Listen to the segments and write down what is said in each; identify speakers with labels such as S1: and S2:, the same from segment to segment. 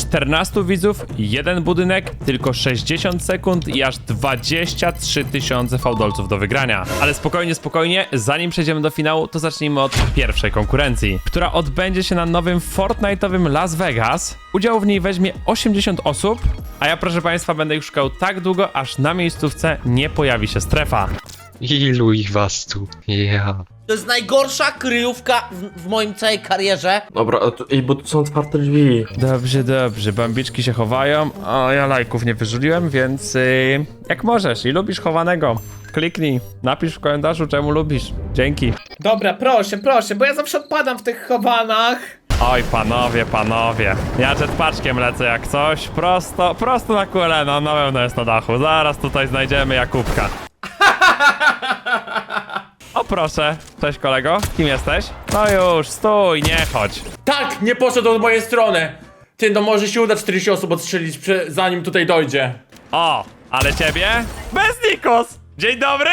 S1: 14 widzów, jeden budynek, tylko 60 sekund i aż 23 000 fałdolców do wygrania. Ale spokojnie, spokojnie, zanim przejdziemy do finału, to zacznijmy od pierwszej konkurencji, która odbędzie się na nowym Fortnite'owym Las Vegas. Udział w niej weźmie 80 osób, a ja, proszę państwa, będę ich szukał tak długo, aż na miejscówce nie pojawi się strefa.
S2: Ilu ich was tu? Ja.
S3: To jest najgorsza kryjówka w moim całej karierze.
S4: Dobra, bo tu są otwarte drzwi.
S1: Dobrze, dobrze, bambiczki się chowają, a ja lajków nie wyrzuliłem, więc jak możesz i lubisz chowanego, kliknij, napisz w komentarzu, czemu lubisz. Dzięki.
S5: Dobra, proszę, proszę, bo ja zawsze odpadam w tych chowanach.
S1: Oj, panowie, ja jetpaczkiem lecę jak coś, prosto na QLN, na pewno jest na dachu, zaraz tutaj znajdziemy Jakubka. O proszę, cześć kolego, kim jesteś? No już, stój, nie chodź.
S4: Tak, nie poszedł od mojej strony. Ty, no może się uda 40 osób odstrzelić, zanim tutaj dojdzie.
S1: O, ale ciebie? Bez Nikos! Dzień dobry!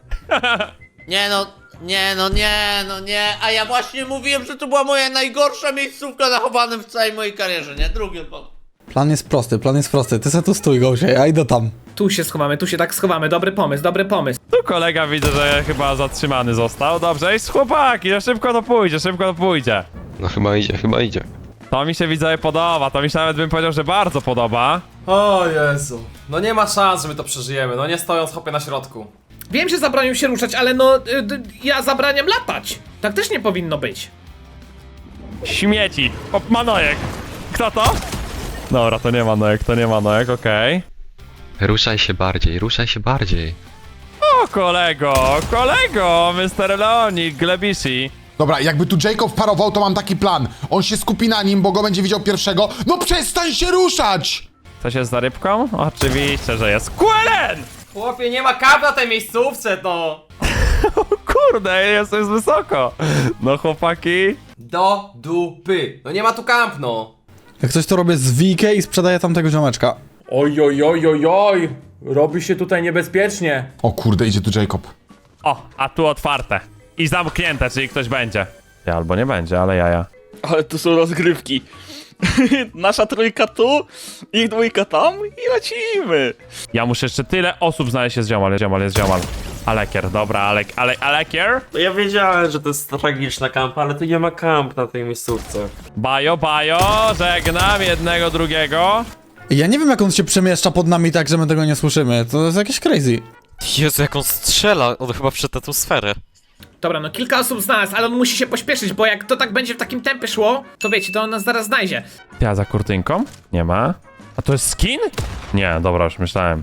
S3: Nie, a ja właśnie mówiłem, że to była moja najgorsza miejscówka na chowanym w całej mojej karierze, nie? Drugi odpadł.
S6: Plan jest prosty, ty se tu stój, Gosia, ja idę tam.
S5: Tu się schowamy, tu się tak schowamy, dobry pomysł, dobry pomysł.
S1: Tu kolega widzę, że chyba zatrzymany został. Dobrze, i chłopaki, no szybko to pójdzie.
S2: No chyba idzie.
S1: To mi się widzowie podoba, to mi się nawet bym powiedział, że bardzo podoba.
S7: O Jezu. No nie ma szans, że my to przeżyjemy, no nie stojąc chłopie na środku.
S5: Wiem, że zabronił się ruszać, ale no, ja zabraniam latać. Tak też nie powinno być.
S1: Śmieci. O, Manojek. Kto to? Dobra, to nie Manojek, okej.
S2: Ruszaj się bardziej.
S1: O, kolego, Mr. Leonik, Glebisi.
S8: Dobra, jakby tu Jacob parował, to mam taki plan. On się skupi na nim, bo go będzie widział pierwszego. No przestań się ruszać!
S1: Coś jest za rybką? Oczywiście, że jest. QLN!
S7: Chłopie, nie ma kaw na tej miejscówce, no!
S1: Kurde, jest wysoko. No chłopaki.
S7: Do dupy. No nie ma tu kamp, no.
S6: Jak coś to robię z Wikę i sprzedaję tamtego ziomeczka.
S4: Oj. Robi się tutaj niebezpiecznie.
S8: O kurde, idzie tu Jacob.
S1: O, a tu otwarte. I zamknięte, czyli ktoś będzie. Ja albo nie będzie, ale jaja.
S9: Ale tu są rozgrywki. Nasza trójka tu, ich dwójka tam i lecimy.
S1: Ja muszę jeszcze tyle osób znaleźć, jest ziomal. Alekier, dobra, Alekier.
S4: No ja wiedziałem, że to jest tragiczna kampa, ale tu nie ma kamp na tej miejscówce.
S1: Bajo, żegnam jednego, drugiego.
S6: Ja nie wiem, jak on się przemieszcza pod nami tak, że my tego nie słyszymy. To jest jakieś crazy.
S10: Jezu, jak on strzela, on chyba przed tą sferę.
S5: Dobra, no kilka osób znalazł, ale on musi się pośpieszyć, bo jak to tak będzie w takim tempie szło, to wiecie, to on nas zaraz znajdzie.
S1: Ja za kurtynką? Nie ma. A to jest skin? Nie, dobra, już myślałem.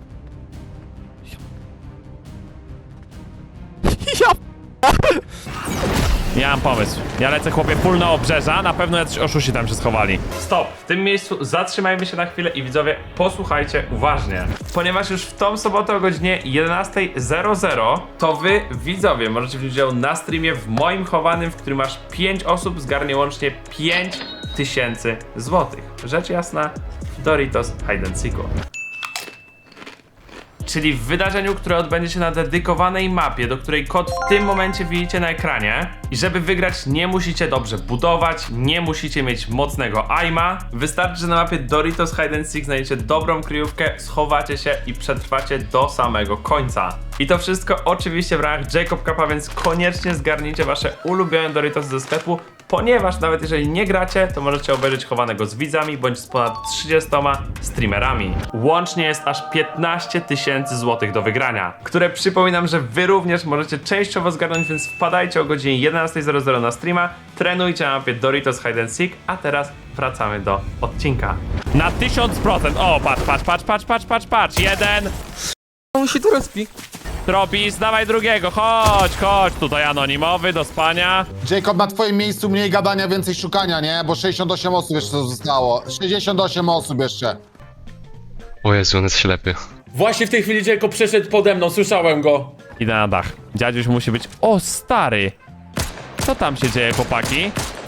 S1: Ja mam pomysł. Ja lecę, chłopie, full na obrzeża. Na pewno jacyś oszuści tam się schowali. Stop. W tym miejscu zatrzymajmy się na chwilę i widzowie, posłuchajcie uważnie. Ponieważ już w tą sobotę o godzinie 11:00 to wy, widzowie, możecie wziąć udział na streamie w moim chowanym, w którym aż 5 osób zgarnie łącznie 5000 złotych. Rzecz jasna, Doritos Hide and Seeku. Czyli w wydarzeniu, które odbędzie się na dedykowanej mapie, do której kod w tym momencie widzicie na ekranie. I żeby wygrać, nie musicie dobrze budować, nie musicie mieć mocnego aima. Wystarczy, że na mapie Doritos Hide and Seek znajdziecie dobrą kryjówkę, schowacie się i przetrwacie do samego końca. I to wszystko oczywiście w ramach Jacob Cupa, więc koniecznie zgarnijcie wasze ulubione Doritos ze sklepu, ponieważ nawet jeżeli nie gracie, to możecie obejrzeć chowanego z widzami bądź z ponad 30 streamerami. Łącznie jest aż 15 000 złotych do wygrania, które przypominam, że wy również możecie częściowo zgarnąć, więc wpadajcie o godzinie 11:00 na streama, trenujcie na mapie Doritos Hide and Seek, a teraz wracamy do odcinka. Na 1000%! O, patrz, jeden!
S10: On się tu respi.
S1: Tropis, dawaj drugiego, chodź, tutaj anonimowy, do spania.
S8: Jacob, na twoim miejscu mniej gadania, więcej szukania, nie? Bo 68 osób jeszcze zostało. 68 osób jeszcze.
S2: O Jezu, on jest ślepy.
S4: Właśnie w tej chwili Jacob przeszedł pode mną, słyszałem go.
S1: Idę na dach. Dziadziuś musi być... O, stary! Co tam się dzieje, chłopaki?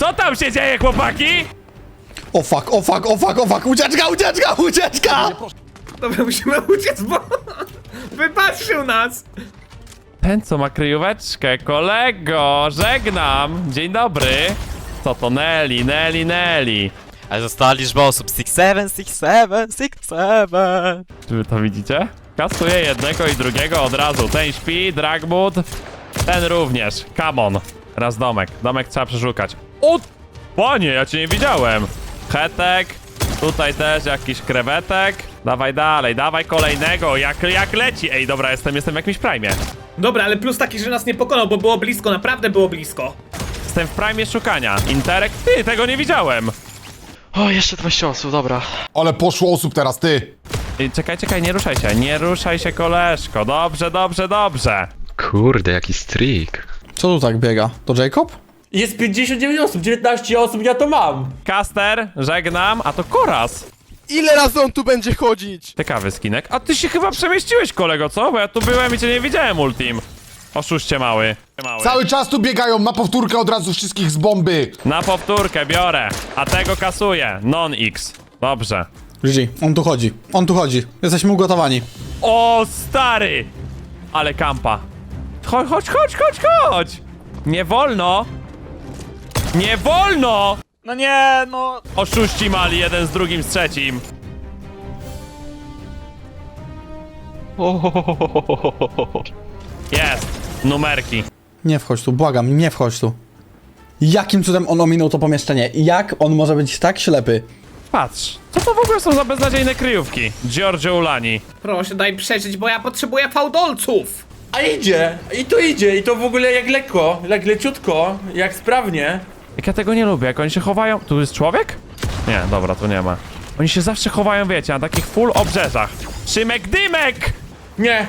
S6: O fuck, ucieczka!
S5: Dobra, musimy uciec, bo wypatrzył nas.
S1: Ten, co ma kryjóweczkę, kolego, żegnam! Dzień dobry! Co to, Nelly?
S10: Ale została liczba osób 6-7, 6-7, 6-7.
S1: Czy wy to widzicie? Kasuje jednego i drugiego od razu. Ten śpi, Dragwood, ten również. Come on. Raz domek. Domek trzeba przeszukać. O! Panie, ja cię nie widziałem. Hetek. Tutaj też jakiś krewetek. Dawaj dalej, dawaj kolejnego. Jak leci. Ej, dobra, jestem w jakimś prime.
S5: Dobra, ale plus taki, że nas nie pokonał, bo było blisko, naprawdę było blisko.
S1: Jestem w prime szukania. Interek. Ty, tego nie widziałem.
S2: O, jeszcze 20 osób, dobra.
S8: Ale poszło osób teraz, ty.
S1: Ej, czekaj, nie ruszaj się. Nie ruszaj się, koleżko. Dobrze, dobrze, dobrze.
S2: Kurde, jaki streak.
S6: Co tu tak biega? To Jacob?
S4: Jest 59 osób, 19 osób, ja to mam.
S1: Caster, żegnam, a to Koraz.
S10: Ile razy on tu będzie chodzić?
S1: Ciekawy skinek. A ty się chyba przemieściłeś, kolego, co? Bo ja tu byłem i cię nie widziałem, Ultim. Oszuście mały.
S8: Cały czas tu biegają, na powtórkę od razu wszystkich z bomby.
S1: Na powtórkę biorę, a tego kasuję. Non-X. Dobrze.
S6: GG, on tu chodzi. On tu chodzi. Jesteśmy ugotowani.
S1: O, stary! Ale kampa. Chodź! Nie wolno! Nie wolno!
S9: No nie, no.
S1: Oszuści mali, jeden z drugim, z trzecim. Jest. Numerki.
S6: Nie wchodź tu, błagam, nie wchodź tu. Jakim cudem on ominął to pomieszczenie? Jak on może być tak ślepy?
S1: Patrz, co to w ogóle są za beznadziejne kryjówki? Giorgio Ulani.
S5: Proszę, daj przeżyć, bo ja potrzebuję fałdolców.
S4: A idzie, i to w ogóle jak lekko, jak leciutko, jak sprawnie.
S1: Jak ja tego nie lubię, jak oni się chowają... Tu jest człowiek? Nie, dobra, tu nie ma. Oni się zawsze chowają, wiecie, na takich full obrzeżach. Szymek Dymek!
S4: Nie!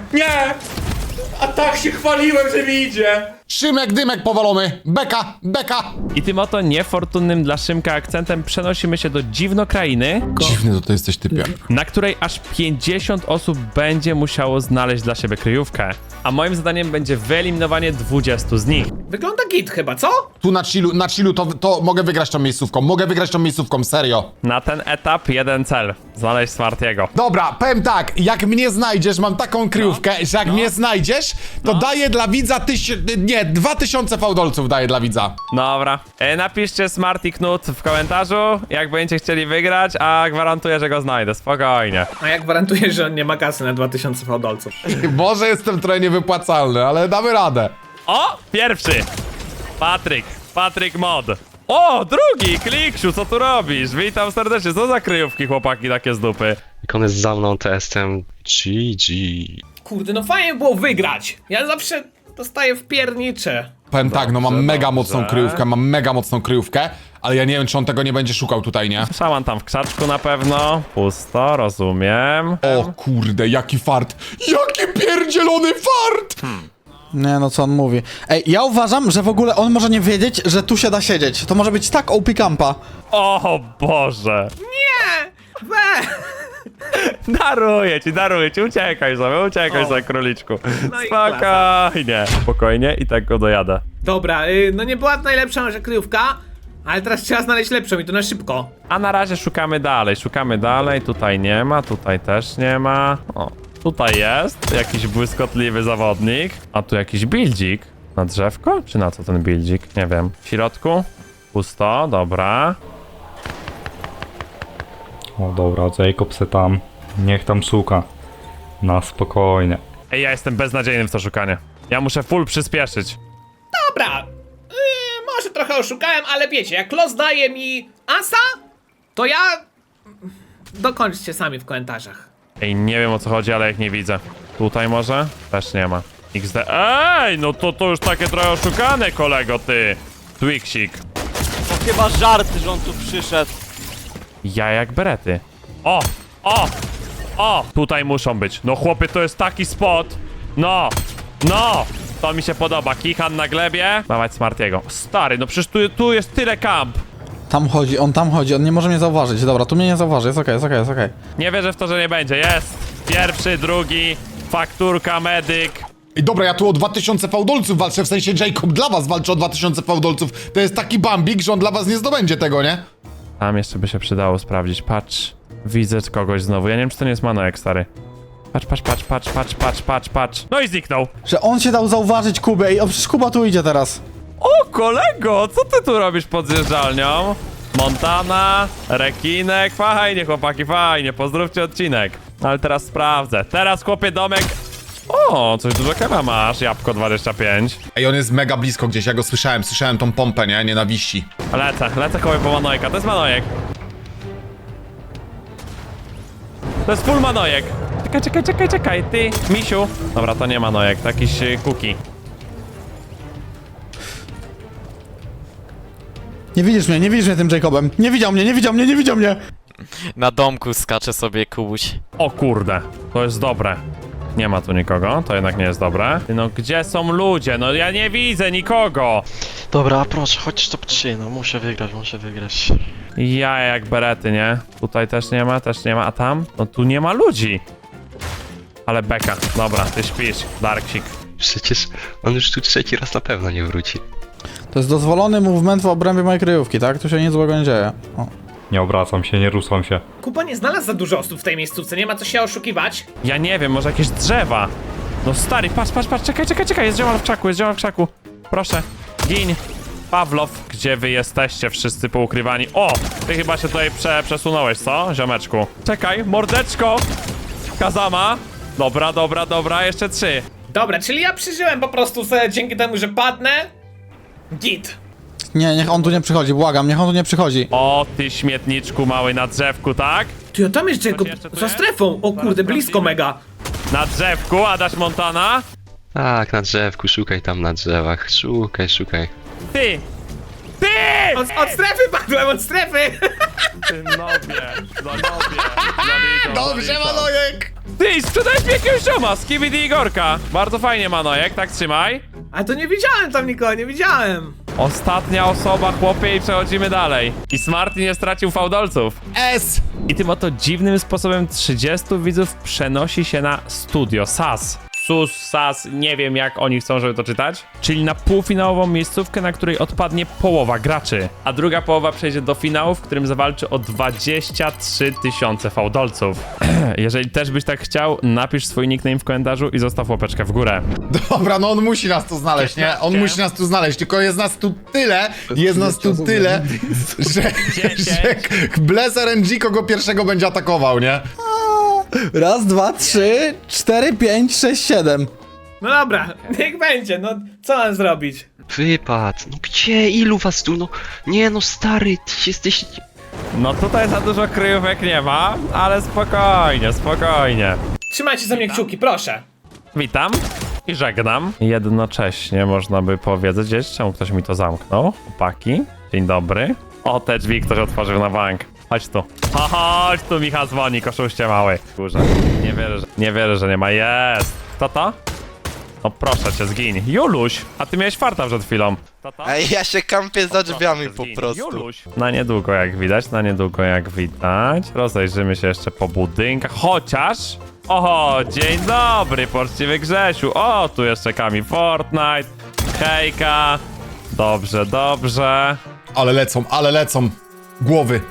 S4: A tak się chwaliłem, że mi idzie.
S8: Szymek, dymek powalony. Beka.
S1: I tym oto niefortunnym dla Szymka akcentem przenosimy się do dziwnokrainy,
S8: Dziwny to ty jesteś, typie.
S1: na której aż 50 osób będzie musiało znaleźć dla siebie kryjówkę. A moim zadaniem będzie wyeliminowanie 20 z nich.
S5: Wygląda git chyba, co?
S8: Tu na chillu to mogę wygrać tą miejscówką, serio.
S1: Na ten etap jeden cel. Znaleźć Smartiego.
S8: Dobra, powiem tak, jak mnie znajdziesz, mam taką kryjówkę, że jak mnie znajdziesz, to daję dla widza 2000 fałdolców daję dla widza.
S1: Dobra. Napiszcie Smarty Knut w komentarzu, jak będziecie chcieli wygrać, a gwarantuję, że go znajdę. Spokojnie.
S5: A ja gwarantuję, że on nie ma kasy na 2000 fałdolców.
S8: Może jestem trochę niewypłacalny, ale damy radę.
S1: O! Pierwszy! Patryk Mod. O! Drugi! Kliksiu, co tu robisz? Witam serdecznie. Co za kryjówki, chłopaki, takie z dupy?
S2: Jak on jest za mną, to jestem GG.
S5: Kurde, no fajnie było wygrać. Ja zawsze dostaję w piernicze.
S8: Powiem tak, no mam
S1: Dobrze,
S8: mega
S1: dobrze.
S8: mocną kryjówkę, ale ja nie wiem, czy on tego nie będzie szukał tutaj, nie?
S1: Szaman tam w krzaczku na pewno. Pusto, rozumiem.
S8: O kurde, jaki fart! Jaki pierdzielony fart!
S6: Nie no, co on mówi. Ej, ja uważam, że w ogóle on może nie wiedzieć, że tu się da siedzieć. To może być tak OP campa.
S1: O Boże!
S5: Nie! We!
S1: Daruję ci, uciekaj sobie, króliczku.
S5: No i klasa.
S1: Spokojnie i tak go dojadę.
S5: Dobra, no nie była najlepsza nasza kryjówka, ale teraz trzeba znaleźć lepszą i to na szybko.
S1: A na razie szukamy dalej, tutaj nie ma, tutaj też nie ma. O, tutaj jest jakiś błyskotliwy zawodnik, a tu jakiś buildzik. Na drzewko? Czy na co ten buildzik? Nie wiem. W środku? Pusto, dobra.
S11: O dobra, Jacob se tam, niech tam szuka. Na spokojnie.
S1: Ej, ja jestem beznadziejny w to szukanie. Ja muszę full przyspieszyć.
S5: Dobra, może trochę oszukałem, ale wiecie, jak los daje mi asa, to ja... Dokończcie sami w komentarzach.
S1: Ej, nie wiem o co chodzi, ale ich nie widzę. Tutaj może? Też nie ma. XD. Ej, no to już takie trochę oszukane, kolego, ty. Twixik.
S10: To chyba żarty, że on tu przyszedł.
S1: Ja jak berety. O! Tutaj muszą być. No chłopie, to jest taki spot. No! To mi się podoba. Kichan na glebie. Dawać Smartiego. Stary, no przecież tu jest tyle kamp.
S6: Tam chodzi, on nie może mnie zauważyć. Dobra, tu mnie nie zauważy, jest okej.
S1: Nie wierzę w to, że nie będzie. Jest! Pierwszy, drugi, fakturka, medyk.
S8: Ej, dobra, ja tu o 2000 fałdolców walczę, w sensie Jacob dla was walczy o 2000 fałdolców. To jest taki bambik, że on dla was nie zdobędzie tego, nie?
S1: Tam jeszcze by się przydało sprawdzić. Patrz. Widzę kogoś znowu. Ja nie wiem, czy to nie jest Manoek, stary. Patrz. No i zniknął.
S6: Że on się dał zauważyć Kubę i przecież Kuba tu idzie teraz.
S1: O, kolego, co ty tu robisz pod zjeżdżalnią? Montana, rekinek, fajnie chłopaki, fajnie, pozdrówcie odcinek. Ale teraz sprawdzę, teraz chłopie domek. O, coś dużo kema masz, jabłko 25.
S8: Ej, on jest mega blisko gdzieś, ja go słyszałem tą pompę, nie? Nienawiści.
S1: Lecę chłopie po Manojka, to jest Manojek. To jest full Manojek. Czekaj, ty, misiu. Dobra, to nie Manojek, to jakiś kuki.
S6: Nie widzisz mnie tym Jacobem. Nie widział mnie.
S10: Na domku skacze sobie Kubuś.
S1: O kurde, to jest dobre. Nie ma tu nikogo, to jednak nie jest dobre. No gdzie są ludzie? No ja nie widzę nikogo.
S2: Dobra, proszę, chodź top 3, no muszę wygrać.
S1: Ja jak berety, nie? Tutaj też nie ma, a tam? No tu nie ma ludzi. Ale beka, dobra, ty śpisz, Darksik.
S2: Przecież on już tu trzeci raz na pewno nie wróci.
S6: To jest dozwolony movement w obrębie mojej kryjówki, tak? Tu się nic złego nie dzieje. O.
S11: Nie obracam się, nie ruszam się.
S5: Kuba nie znalazł za dużo osób w tej miejscówce, nie ma co się oszukiwać.
S1: Ja nie wiem, może jakieś drzewa. No stary, patrz, czekaj, jest ziomal w krzaku. Proszę, gin. Pawlow, gdzie wy jesteście wszyscy poukrywani? O, ty chyba się tutaj przesunąłeś, co, ziomeczku? Czekaj, mordeczko. Kazama. Dobra, jeszcze 3.
S5: Dobra, czyli ja przeżyłem po prostu dzięki temu, że padnę. Git.
S6: Nie, niech on tu nie przychodzi, błagam, niech on tu nie przychodzi.
S1: O, ty śmietniczku mały na drzewku, tak?
S5: Ty, a tam jest Jacob,
S1: jeszcze tu
S5: za
S1: jest?
S5: strefą. O kurde, blisko mega.
S1: Na drzewku, Adaś Montana.
S2: Tak, na drzewku, szukaj tam na drzewach, szukaj.
S1: Ty!
S5: Od strefy padłem, od strefy.
S1: Ty nobie.
S8: Dobrze, Manojek!
S1: Ty, sprzedałeś mi jakiegoś zioma, Skibidi Igorka. Bardzo fajnie, Manojek, tak trzymaj.
S5: A to nie widziałem tam nikogo, nie widziałem.
S1: Ostatnia osoba, chłopie, i przechodzimy dalej. I Smarty nie stracił fałdolców.
S8: S!
S1: I tym oto dziwnym sposobem 30 widzów przenosi się na studio SAS. SAS, nie wiem jak oni chcą, żeby to czytać. Czyli na półfinałową miejscówkę, na której odpadnie połowa graczy. A druga połowa przejdzie do finału, w którym zawalczy o 23 000 fałdolców. Jeżeli też byś tak chciał, napisz swój nickname w komentarzu i zostaw łapeczkę w górę.
S8: Dobra, no on musi nas tu znaleźć, nie? On musi nas tu znaleźć, tylko jest nas tu tyle, że Bless RNG kogo pierwszego będzie atakował, nie?
S6: Raz, 2, 3, 4, 5, 6, 7.
S5: No dobra, niech będzie, no co mam zrobić?
S2: Wypad, no gdzie, ilu was tu, no? Nie no stary, ty jesteś...
S1: No tutaj za dużo kryjówek nie ma, ale spokojnie.
S5: Trzymajcie za mnie kciuki, proszę.
S1: Witam i żegnam. Jednocześnie można by powiedzieć, czemu ktoś mi to zamknął. Chłopaki, dzień dobry. O, te drzwi ktoś otworzył na bank. Chodź tu. Chodź tu, Michał dzwoni, koszuście mały. Kurze, nie wierzę, że nie ma. Jest. Kto to? No proszę cię, zgiń. Juluś, a ty miałeś farta przed chwilą. Kto to?
S10: Ej, ja się kampię za drzwiami po
S1: Zgiń.
S10: prostu.
S1: Juluś. Na niedługo jak widać. Rozejrzymy się jeszcze po budynkach, chociaż... Oho, dzień dobry, poczciwy Grzesiu. O, tu jeszcze Kami Fortnite. Hejka. Dobrze.
S8: Ale lecą. Głowy.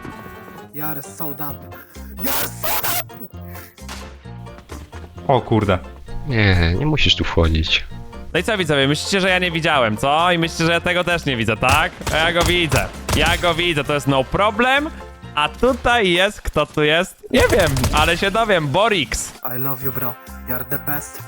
S11: O kurde.
S2: Nie musisz tu wchodzić.
S1: No i co widzowie, myślicie, że ja nie widziałem, co? I myślicie, że ja tego też nie widzę, tak? A ja go widzę, to jest no problem. A tutaj jest, kto tu jest? Nie wiem, ale się dowiem, Borix.
S12: I love you, bro. You're the best.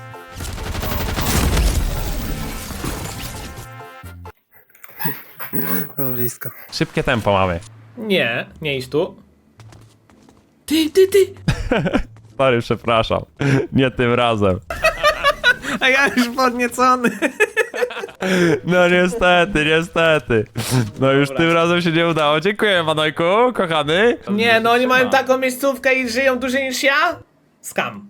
S12: Blisko.
S1: Szybkie tempo mamy.
S5: Nie idź tu. Ty.
S1: Sorry, przepraszam. Nie tym razem.
S5: A ja już podniecony.
S1: No niestety. No już tym razem się nie udało. Dziękuję, Manojku, kochany.
S5: Nie, no oni mają taką miejscówkę i żyją dłużej niż ja? Skam.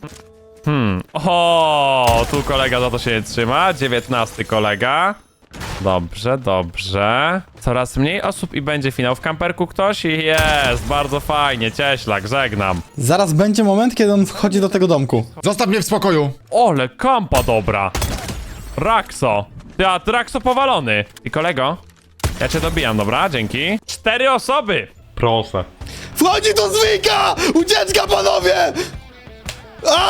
S1: O, tu kolega za to się nie trzyma. 19 kolega. Dobrze. Coraz mniej osób i będzie finał. W kamperku ktoś? Jest, bardzo fajnie. Cieślak, żegnam.
S6: Zaraz będzie moment, kiedy on wchodzi do tego domku.
S8: Zostaw mnie w spokoju.
S1: Ole, kampa dobra. Rakso. Rakso powalony. I kolego, ja cię dobijam, dobra? Dzięki. 4 osoby.
S11: Proszę.
S6: Wchodzi do zwyka! Ucieczka, panowie!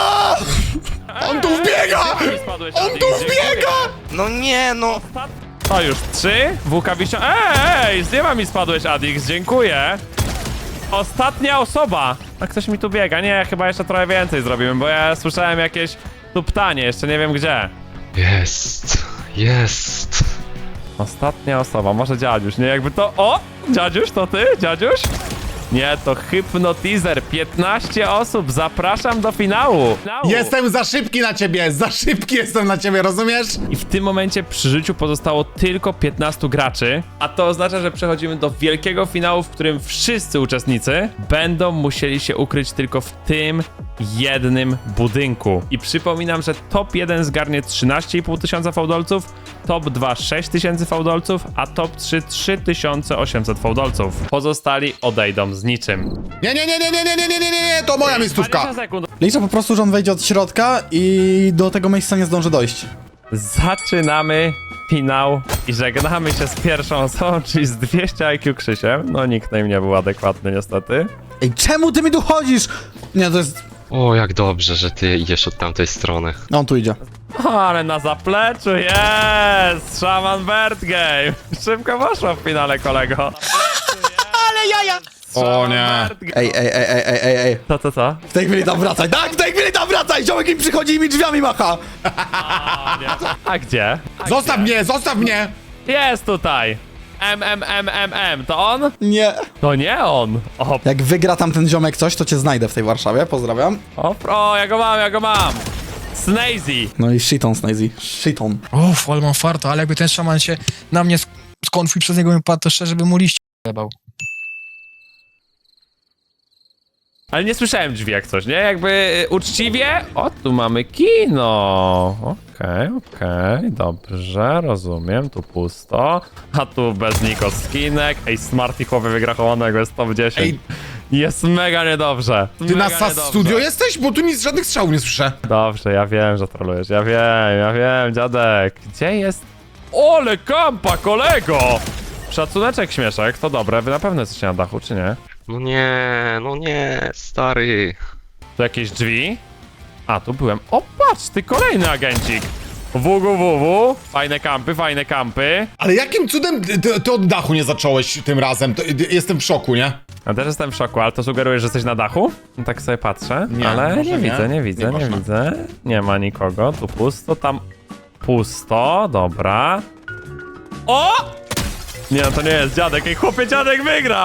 S8: On tu wbiega!
S1: Spadłeś,
S8: On
S1: Adi,
S8: tu
S1: dziękuję.
S8: wbiega!
S10: No nie, no.
S1: To już 3. WK-Wisio... Ej, z nieba mi spadłeś, Adix, dziękuję. Ostatnia osoba. A ktoś mi tu biega. Nie, chyba jeszcze trochę więcej zrobimy, bo ja słyszałem jakieś tuptanie, jeszcze nie wiem gdzie.
S2: Jest.
S1: Ostatnia osoba, może dziadziuś, nie? Jakby to... O! Dziadziuś, to ty? Dziadziuś? Nie, to Hypnotizer. 15 osób, zapraszam do finału.
S8: Jestem za szybki na ciebie, za szybki jestem na ciebie, rozumiesz?
S1: I w tym momencie przy życiu pozostało tylko 15 graczy, a to oznacza, że przechodzimy do wielkiego finału, w którym wszyscy uczestnicy będą musieli się ukryć tylko w tym jednym budynku. I przypominam, że top 1 zgarnie 13,5 tysiąca fałdolców, top 2 6000 fałdolców, a top 3 3800 fałdolców. Pozostali odejdą z niczym.
S8: Nie, to moja miejscówka.
S1: 20 sekund.
S6: Liczę po prostu, że on wejdzie od środka i do tego miejsca nie zdąży dojść.
S1: Zaczynamy finał i żegnamy się z pierwszą osobą, czyli z 200 IQ Krzysiem. No nickname nie był adekwatny niestety.
S6: Ej, czemu ty mi tu chodzisz? Nie, to jest...
S2: O, jak dobrze, że ty idziesz od tamtej strony.
S6: No, on tu idzie.
S1: O, ale na zapleczu jest! Shaman Bird Game! Szybko poszło w finale, kolego. Ale jaja!
S8: O nie.
S6: Ej.
S1: Co?
S6: W tej chwili tam wracaj, tak? W tej chwili tam wracaj! Ziomek mi przychodzi i mi drzwiami macha!
S1: A gdzie?
S8: Zostaw mnie!
S1: Jest tutaj! To on?
S6: Nie.
S1: To nie on! O,
S6: Jak wygra tam ten ziomek coś, to cię znajdę w tej Warszawie, pozdrawiam.
S1: ja go mam! Snazy!
S6: No i shiton, Snazy. Shiton.
S12: Uff, ale mam farto, ale jakby ten szaman się na mnie skonfił, przez niego bym padł, to szczerze bym mu liście jebał.
S1: Ale nie słyszałem drzwi jak coś, nie? Jakby uczciwie. O, tu mamy kino. Okej, dobrze, rozumiem. Tu pusto. A tu bez Niko skinek. Ej, Smarty chłopie wygrachowanego jest top 10.
S8: Ej.
S1: Jest mega niedobrze.
S8: Ty na
S1: Mega
S8: SAS
S1: niedobrze.
S8: Studio jesteś? Bo tu nic, żadnych strzałów nie słyszę.
S1: Dobrze, ja wiem, że trolujesz. Ja wiem, dziadek. Gdzie jest? Ole kampa, kolego! Szacuneczek, śmieszek, to dobre. Wy na pewno jesteście na dachu, czy nie?
S2: No nie, stary.
S1: Tu jakieś drzwi? A, tu byłem. O, patrz, ty kolejny agencik. WWW. Fajne kampy.
S8: Ale jakim cudem ty od dachu nie zacząłeś tym razem? Jestem w szoku, nie?
S1: Ja też jestem w szoku, ale to sugeruje, że jesteś na dachu? No tak sobie patrzę,
S8: Nie,
S1: ale
S8: może
S1: nie widzę.
S8: Nie można.
S1: Nie ma nikogo, tu pusto, tam pusto, dobra. O! Nie, no to nie jest dziadek, ej chłopie, dziadek wygra!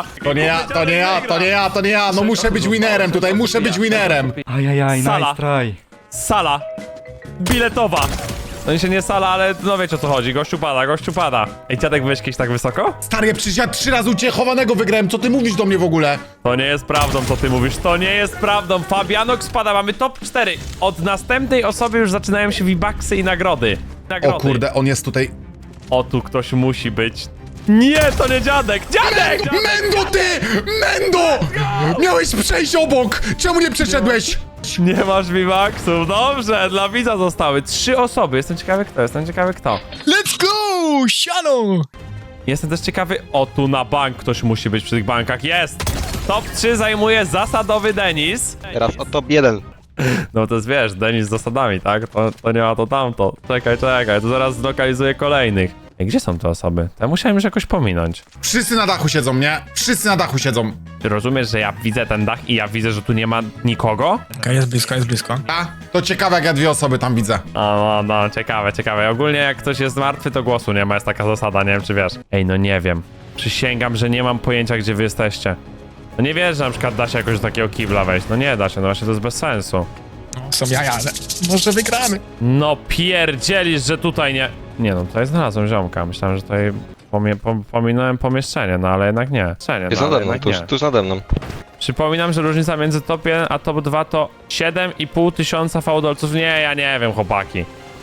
S8: To nie ja, no muszę być winerem tutaj, muszę być winerem.
S11: Ajajaj,
S1: Sala.
S11: nice try.
S1: Sala biletowa. No się nie sala, ale no wiecie o co chodzi, gościu pada. Ej, dziadek byłeś kiedyś tak wysoko?
S8: Stary, ja przecież ja 3 razy u ciebie chowanego wygrałem, co ty mówisz do mnie w ogóle?
S1: To nie jest prawdą, co ty mówisz, to nie jest prawdą. Fabianok spada, mamy top 4. Od następnej osoby już zaczynają się V-Bucksy i nagrody.
S8: O kurde, on jest tutaj.
S1: O, tu ktoś musi być. Nie, to nie dziadek! Dziadek!
S8: Mendo ty! Mendo! Miałeś przejść obok! Czemu nie przeszedłeś?
S1: Nie masz V-Bucksów, dobrze, dla widza zostały 3 osoby. Jestem ciekawy kto.
S12: Let's go! Siano!
S1: Jestem też ciekawy, o tu na bank ktoś musi być przy tych bankach, jest! Top 3 zajmuje zasadowy Denis.
S2: Teraz o top 1.
S1: No to jest, wiesz, Denis z zasadami, tak? To nie ma to tamto. Czekaj, to zaraz zlokalizuję kolejnych. Ej, gdzie są te osoby? To ja musiałem już jakoś pominąć.
S8: Wszyscy na dachu siedzą, nie? Wszyscy na dachu siedzą.
S1: Ty rozumiesz, że ja widzę ten dach i ja widzę, że tu nie ma nikogo?
S12: Okej, jest blisko.
S8: A? To ciekawe, jak ja 2 osoby tam widzę.
S1: No, ciekawe. Ogólnie jak ktoś jest martwy, to głosu nie ma, jest taka zasada, nie wiem czy wiesz. Ej, no nie wiem. Przysięgam, że nie mam pojęcia, gdzie wy jesteście. No nie wiesz, że na przykład da się jakoś do takiego kibla wejść. No nie da się, no właśnie to jest bez sensu.
S12: No, są jaja, ale może wygramy.
S1: No pierdzielisz, że tutaj nie... Nie no, tutaj znalazłem ziomka. Myślałem, że tutaj pominąłem pomieszczenie, no ale jednak nie.
S2: Jest nade mną, tuż nade mną.
S1: Przypominam, że różnica między top 1 a top 2 to 7,5 tysiąca fałdolców. Nie, ja nie wiem, chłopaki.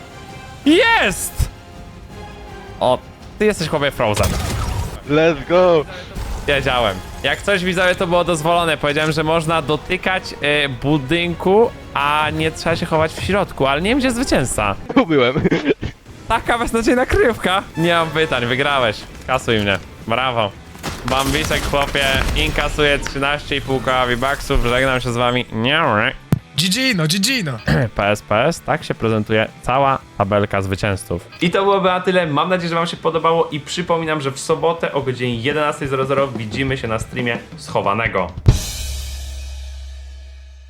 S1: Jest! O, ty jesteś chłopie Frozen.
S2: Let's go!
S1: Wiedziałem. Jak coś widzowie, to było dozwolone. Powiedziałem, że można dotykać budynku, a nie trzeba się chować w środku, ale nie wiem, gdzie jest zwycięzca.
S2: Tu byłem.
S1: Taka beznadziejna kryjówka. Nie mam pytań, wygrałeś. Kasuj mnie. Brawo. Bambisek, chłopie, inkasuje 13,5 koła V-Bucksów. Żegnam się z wami. Nie.
S12: GG, no GG, no.
S1: PSPS, tak się prezentuje cała tabelka zwycięzców. I to byłoby na tyle, mam nadzieję, że wam się podobało i przypominam, że w sobotę o godzinie 11:00 widzimy się na streamie Schowanego.